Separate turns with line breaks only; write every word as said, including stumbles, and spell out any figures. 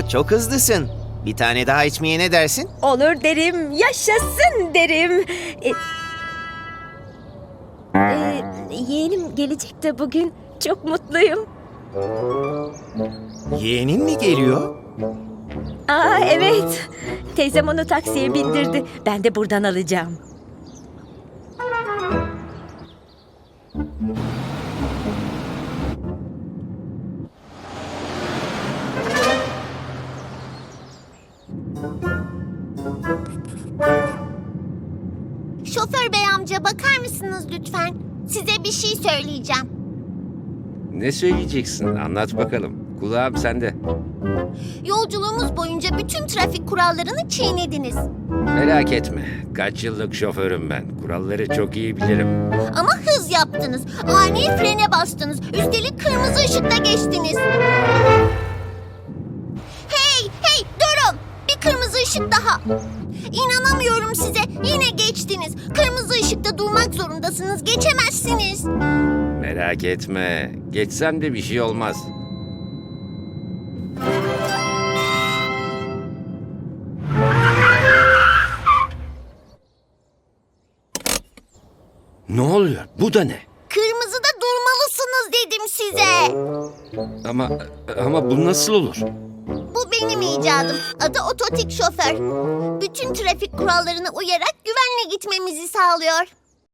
Oo, çok hızlısın. Bir tane daha içmeye ne dersin?
Olur derim, yaşasın derim. E, e, yeğenim gelecek de bugün. Çok mutluyum.
Yeğenin mi geliyor?
Aa evet. Teyzem onu taksiye bindirdi. Ben de buradan alacağım.
Şoför bey amca bakar mısınız lütfen? Size bir şey söyleyeceğim.
Ne söyleyeceksin? Anlat bakalım. Kulağım sende.
Yolculuğumuz boyunca bütün trafik kurallarını çiğnediniz.
Merak etme. Kaç yıllık şoförüm ben. Kuralları çok iyi bilirim.
Ama hız yaptınız. Ani frene bastınız. Üstelik kırmızı ışıkta geçtiniz. Hey, hey durun. Bir kırmızı ışık daha. İnanamıyorum size. Yine geçtiniz. Kırmızı ışıkta durmak zorundasınız. Geçemezsiniz.
Merak etme. Geçsem de bir şey olmaz. Ne oluyor? Bu da ne?
Kırmızıda durmalısınız dedim size.
Ama ama bu nasıl olur?
Bu benim icadım. Adı ototik şoför. Bütün trafik kurallarına uyarak güvenle gitmemizi sağlıyor.